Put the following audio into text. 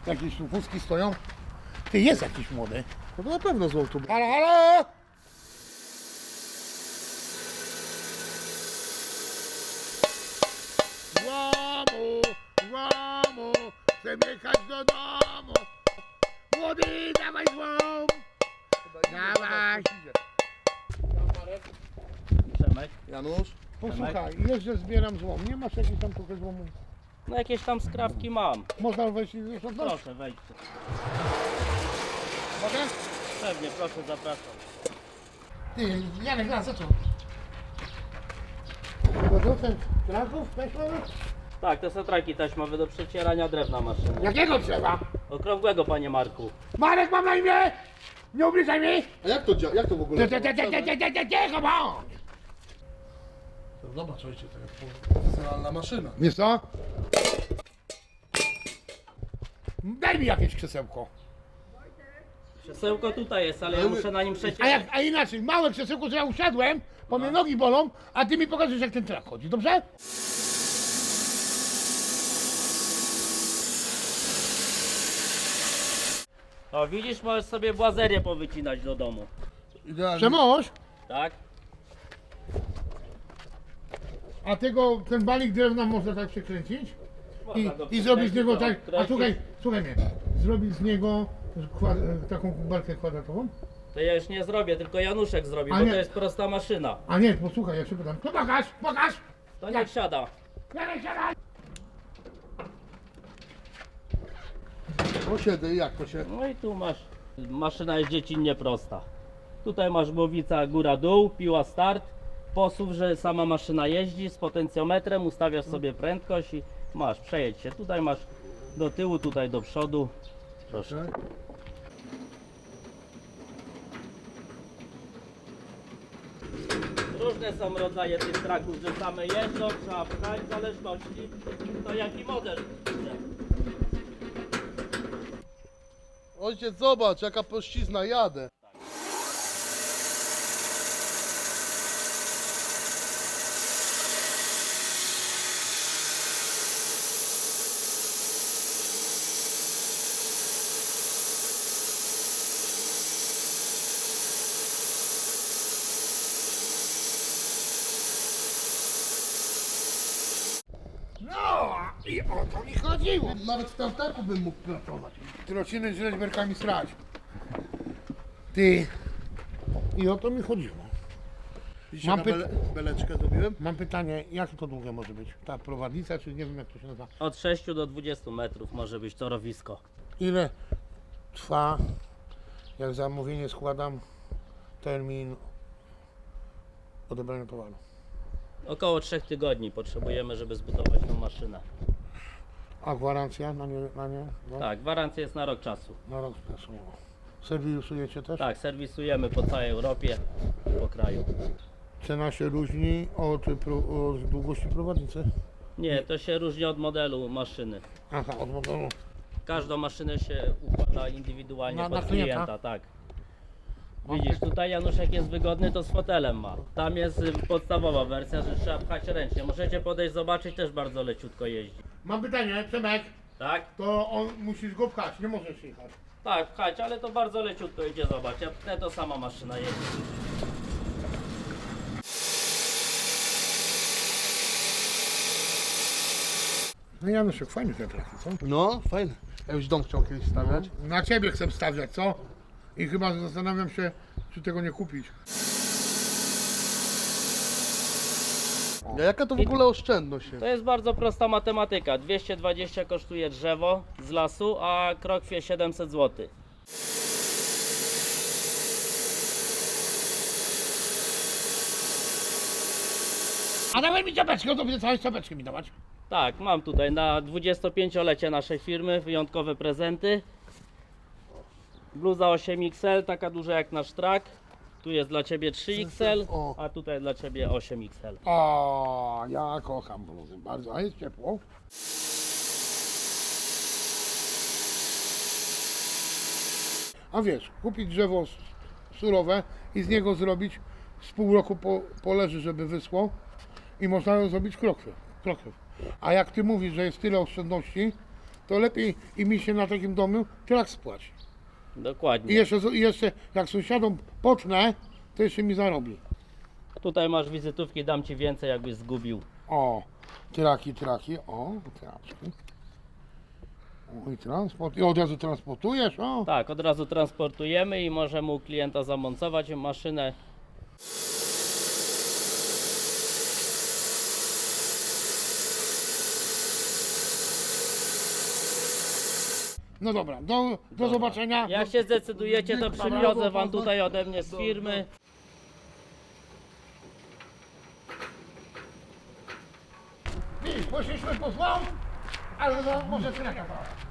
Jakieś tu wózki stoją. Ty, jest jakiś młody. No to na pewno złoto. Halo, halo! Złomu, złomu, chcę jechać do domu. Młody, dawaj złom! Dawaj! Przemek. Janusz? Posłuchaj, jeżdżę, zbieram złom. Nie masz jakiejś tam trochę złomu? No jakieś tam skrawki mam. Można wejść i już oddać? Proszę, wejdźcie. Mogę? Pewnie, proszę, zapraszam. Ty, Janek, za co? Producent traków taśmowych? Tak, te satraki taśmowe do przecierania drewna maszyny. Jakiego drzewa? Okrągłego, panie Marku. Marek, mam na imię! Nie ubliżaj mi! A jak to działa? Jak to w ogóle? Cicho bądź! Zobacz, ojciec, to jest profesjonalna maszyna. Wiesz co? Daj mi jakieś krzesełko. Krzesełko tutaj jest, ale ja muszę na nim przecierać. A inaczej, małe krzesełko, że ja usiadłem, bo mnie nogi bolą, a ty mi pokażesz, jak ten trak chodzi, dobrze? O, widzisz, możesz sobie błazerię powycinać do domu. Idealnie. Przemoż, Tak? a ten balik drewna można tak przekręcić Można go i zrobić z niego tak, przekręcić, a słuchaj mnie, zrobić z niego taką balkę kwadratową? To ja już nie zrobię, tylko Januszek zrobi, A bo nie. to jest prosta maszyna. A nie, posłuchaj, ja się pytam, to pokaż! To niech siada. Siadaj, siadaj! Posiedzę i jak to się... No i tu masz, maszyna jest dziecinnie prosta. Tutaj masz głowica góra-dół, piła start, posuw, że sama maszyna jeździ z potencjometrem, ustawiasz sobie prędkość i masz, przejedź się. Tutaj masz do tyłu, tutaj do przodu. Proszę. Różne są rodzaje tych traków, że same jeżdżą, trzeba pchać w zależności to jaki model. Ojciec, zobacz, jaka pościzna, jadę. No i o to mi chodziło. Nawet w tamtaku bym mógł pracować. Trociny z rzeźberkami srać. Ty. I o to mi chodziło. Widzicie, Mam na beleczkę zrobiłem? Mam pytanie, jak to długie może być? Ta prowadnica, czy nie wiem jak to się nazywa? Od 6 do 20 metrów może być torowisko. Ile trwa, jak zamówienie składam, termin odebrania towaru? Około 3 tygodni potrzebujemy, żeby zbudować tą maszynę. A gwarancja na nie? No, Tak, gwarancja jest na rok czasu. na rok czasu. Serwisujecie też? Tak, serwisujemy po całej Europie, po kraju. Cena się różni od długości prowadnicy? Nie, to się różni od modelu maszyny. Aha, od modelu. Każdą maszynę się układa indywidualnie Na pod klienta? klienta, tak. Widzisz, tutaj Januszek jest wygodny, to z fotelem ma. Tam jest podstawowa wersja, że trzeba pchać ręcznie. Możecie podejść, zobaczyć, też bardzo leciutko jeździ. Mam pytanie, Przemek, Tak? to on musisz go pchać, nie możesz jechać. Tak, pchać, ale to bardzo leciutko idzie, zobacz. Ja pchnę, to sama maszyna jeździ. No Januszek, fajny ten trafik, co? No, fajne. Ja już dom chciał kiedyś stawiać. Na ciebie chcę stawiać, co? I chyba zastanawiam się, czy tego nie kupić. A jaka to w ogóle oszczędność To jest? jest bardzo prosta matematyka. 220 kosztuje drzewo z lasu, a krokwie 700 zł. A dawaj mi czapeczkę, to będzie całe czapeczkę mi dawać. Tak, mam tutaj na 25-lecie naszej firmy wyjątkowe prezenty. Bluza 8XL, taka duża jak nasz trak. Tu jest dla Ciebie 3XL, O. a tutaj dla Ciebie 8XL. O, ja kocham bluzy bardzo, a jest ciepło. A wiesz, kupić drzewo surowe i z niego zrobić, z pół roku poleży, żeby wyschło i można zrobić krokwie. A jak ty mówisz, że jest tyle oszczędności, to lepiej i mi się na takim domu trak spłaci. Dokładnie. I jeszcze jak sąsiadom pocznę, to jeszcze mi zarobi. Tutaj masz wizytówki, dam ci więcej, jakbyś zgubił. O, traki, o, traczki. O, i transport, i od razu transportujesz, o. Tak, od razu transportujemy i możemy u klienta zamontować maszynę. No dobra, do zobaczenia. Jak się zdecydujecie, to przywiozę wam tutaj ode mnie z firmy. Poszliśmy po złom, ale no, może traka.